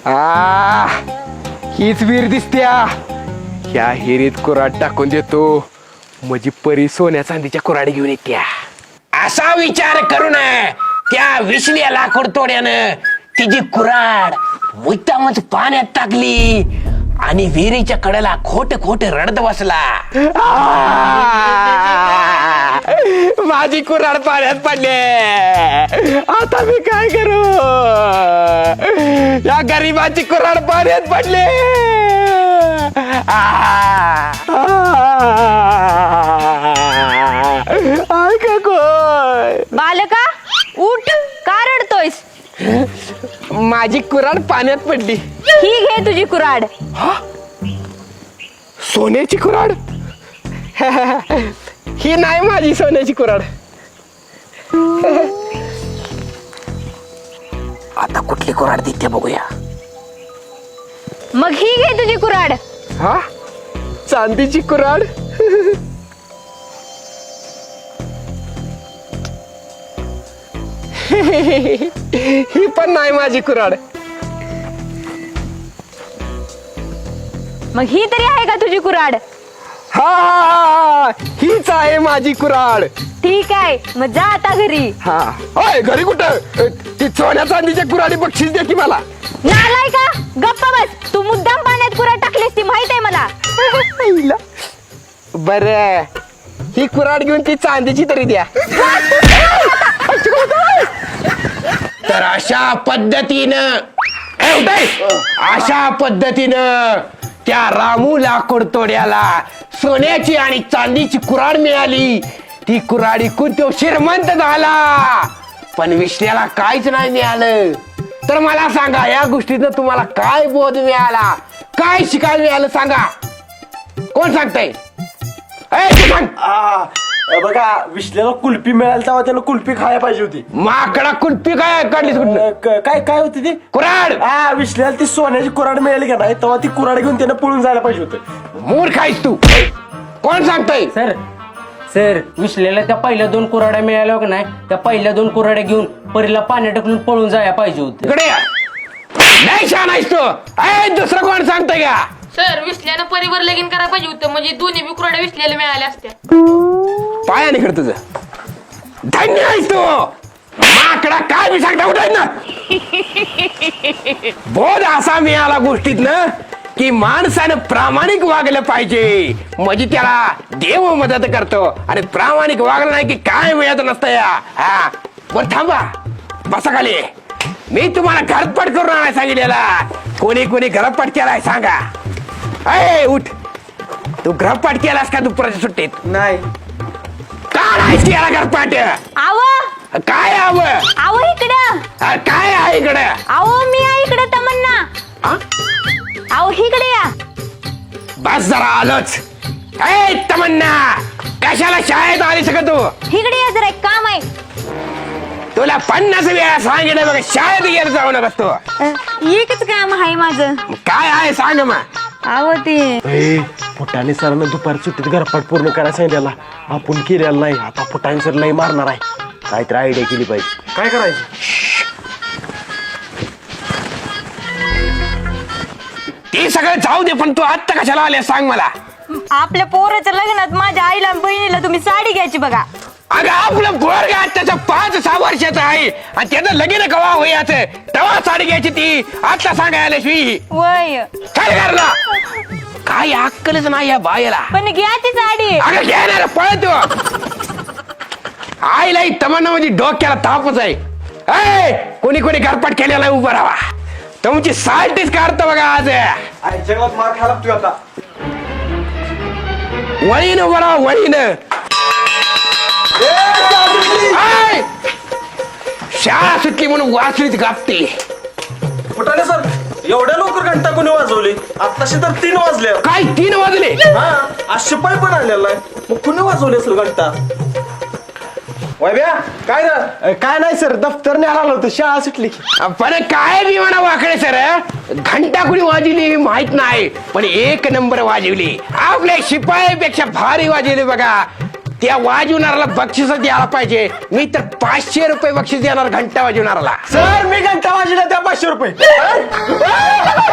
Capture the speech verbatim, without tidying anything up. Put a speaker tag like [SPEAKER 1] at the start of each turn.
[SPEAKER 1] आ हीच विहीर दिसत्या. ह्या हिरीत कुऱ्हाड टाकून देतो म्हणजे परी सोन्या चांदीच्या कुऱ्हाडी घेऊन येत्या.
[SPEAKER 2] असा विचार करून त्या विसल्या लाकूड तोड्यानं तिची कुऱ्हाड मुद्दामच पाण्यात टाकली आणि विहिरीच्या कडेला खोट खोट रडत बसला.
[SPEAKER 1] माझी कुऱ्हाड पाण्यात पडले. आता मी काय करू? या गरीबाची कुऱ्हाड पाण्यात पडले. ऐका कोय
[SPEAKER 3] बालका उठ, का रडतोयस?
[SPEAKER 1] माझी कुऱ्हाड पाण्यात पडली.
[SPEAKER 3] ही घे तुझी कुऱ्हाड.
[SPEAKER 1] सोन्याची कुऱ्हाड? ही नाही माझी सोन्याची कुऱ्हाड.
[SPEAKER 2] आता कुठली कुऱ्हाड देते बघूया.
[SPEAKER 3] मग ही घे तुझी कुऱ्हाड.
[SPEAKER 1] हा चांदीची कुऱ्हाड? ही पण नाही माझी कुऱ्हाड.
[SPEAKER 3] मग ही तरी आहे का तुझी कुऱ्हाड?
[SPEAKER 1] हा हीच आहे माझी कुऱ्हाड.
[SPEAKER 3] ठीक आहे, मग जा आता घरी.
[SPEAKER 1] हा होय घरी कुठं? ती सोन्या चांदीच्या कुऱ्हाडी बक्षीस दे की मला.
[SPEAKER 3] नालाय का? गप्पा बस. तू मुद्दाम पाण्यात कुऱ्हाड टाकलीस ती माहित आहे मला.
[SPEAKER 1] बर ही कुऱ्हाड घेऊन ती चांदीची तरी द्या.
[SPEAKER 2] तर अशा पद्धतीनं ए, उठाय. अशा पद्धतीनं त्या रामू लाकूड तोड्याला सोन्याची आणि चांदीची कुऱ्हाड मिळाली. ती कुऱ्हाड इकून तो श्रीमंत झाला. पण विष्ण्याला काहीच नाही मिळालं. तर मला सांगा या गोष्टीतनं तुम्हाला काय बोध मिळाला, काय शिकायला मिळालं सांगा. कोण सांगताय? ए, तू सांग.
[SPEAKER 4] आ, बघा विश्लेला कुल्फी मिळाली तेव्हा त्याला कुल्फी खायला पाहिजे होती.
[SPEAKER 2] माकडा कुल्फी काय काढलीस कुठलं?
[SPEAKER 4] अ, क- काय काय होती ती
[SPEAKER 2] कुऱ्हाड.
[SPEAKER 4] हा विश्लेला ती सोन्याची कुऱ्हाड मिळाली का नाही तेव्हा ती कुऱ्हाड घेऊन त्यानं पळून जायला पाहिजे होतं.
[SPEAKER 2] मूर्ख आहेस तू. कोण सांगताय?
[SPEAKER 5] सर सर विसलेल्या त्या पहिल्या दोन कुऱ्हाड्या मिळाल्या का नाही, त्या पहिल्या दोन कुऱ्हाड्या घेऊन परीला पाण्यात टाकून पळून जायला पाहिजे होते.
[SPEAKER 2] इकडे या. नाही छान आहेस तू. ए, दुसरं कोण सांगताय का?
[SPEAKER 6] सर विसल्यानं परिवार लगीन करायला पाहिजे होतं म्हणजे दोन्ही बी कुऱ्हाड्या विसल्याला मिळाल्या असत्या.
[SPEAKER 2] पायाने कर तुझं. धन्य आहेस तू. माकडा काय मी सांगता उठाय ना. बोध असा मिळाला गोष्टीत ना की माणसानं प्रामाणिक वागलं पाहिजे म्हणजे त्याला देव मदत करतो. आणि प्रामाणिक वागलं नाही की काय मिळत नसतं या. हा बरं थांबा, बसा खाली. मी तुम्हाला घरपट करून आणाय सांगितलेला. कोणी कोणी घरपट केलाय सांगा. अय उठ. तू घरपाट केलास का दुपारच्या सुट्टीत?
[SPEAKER 4] नाही
[SPEAKER 2] का नाहीस केला घरपाट?
[SPEAKER 3] आव
[SPEAKER 2] काय हवं?
[SPEAKER 3] आव इकडं.
[SPEAKER 2] काय आहे इकडे?
[SPEAKER 3] आव मी आहे इकडं तमन्ना. आव इकडे या.
[SPEAKER 2] बस जरा आलोच. ए तमन्ना, कशाला शाळेत आली सगळं तू?
[SPEAKER 3] इकडे या जरा, एक काम आहे.
[SPEAKER 2] तुला पन्नास वेळा सांगितलं बघ शाळेत गेलं जाऊ नकस तू.
[SPEAKER 3] अ, एकच काम आहे माझं.
[SPEAKER 2] काय आहे सांग मग.
[SPEAKER 3] आव ते
[SPEAKER 4] फुटाणे सरांना दुपार सुट्टीत घरपाट पूर्ण करायला सांगितलेला. आपण केलेला नाही. आता फुटाणे सर लई मारणार आहे. काहीतरी आयडिया केली पाहिजे. काय करायचं?
[SPEAKER 2] ते सगळं जाऊ दे पण तू आत्ता कशाला आले सांग मला.
[SPEAKER 3] आपल्या पोराच्या लग्नात माझ्या आईला आणि बहिणीला तुम्ही साडी घ्यायची बघा.
[SPEAKER 2] अगं आपलं पोरग त्याचं पाच सहा वर्षाचं आहे आणि त्याचं लगीन कवा होयाचं तेव्हा साडी घ्यायची ती आता सांगायला शिवी.
[SPEAKER 3] वय
[SPEAKER 2] काय करला? काय अक्कलच नाही या बायला.
[SPEAKER 3] पण घ्या ती साडी.
[SPEAKER 2] अगं घेणार पळतो. आईला ही तमन्ना म्हणजे डोक्याला तापच आहे. ए, कोणी कोणी घरपाट केलेला उभं राहा. तुमची साल्टीच काढतो बघा आज.
[SPEAKER 4] जगात मार खायला लागतोय आता.
[SPEAKER 2] वळीन उभं राहा वळीन. आय! शाळा सुटली म्हणून वाचलीच गापते.
[SPEAKER 4] फुटाणे सर एवढ्या लवकर घंटा कोणी वाजवली? आताशी तर तीन वाजले.
[SPEAKER 2] काय तीन वाजले?
[SPEAKER 4] हा आज शिपाई पण आलेला आहे. मग कुणी वाजवली असेल घंटा? वैभ्या काय रे? काय नाही सर, दफ्तर न्यायला होतं. शाळा सुटली.
[SPEAKER 2] पण काय बी म्हणा वाकडे सर, घंटा कुणी वाजवली माहित नाही पण एक नंबर वाजवली. आपल्या शिपाईपेक्षा भारी वाजवली बघा. त्या वाजवणाऱ्याला बक्षीस द्यायला पाहिजे. मी तर पाचशे रुपये बक्षीस देणार घंटा वाजवणाऱ्याला.
[SPEAKER 4] सर मी घंटा वाजवला त्या पाचशे रुपये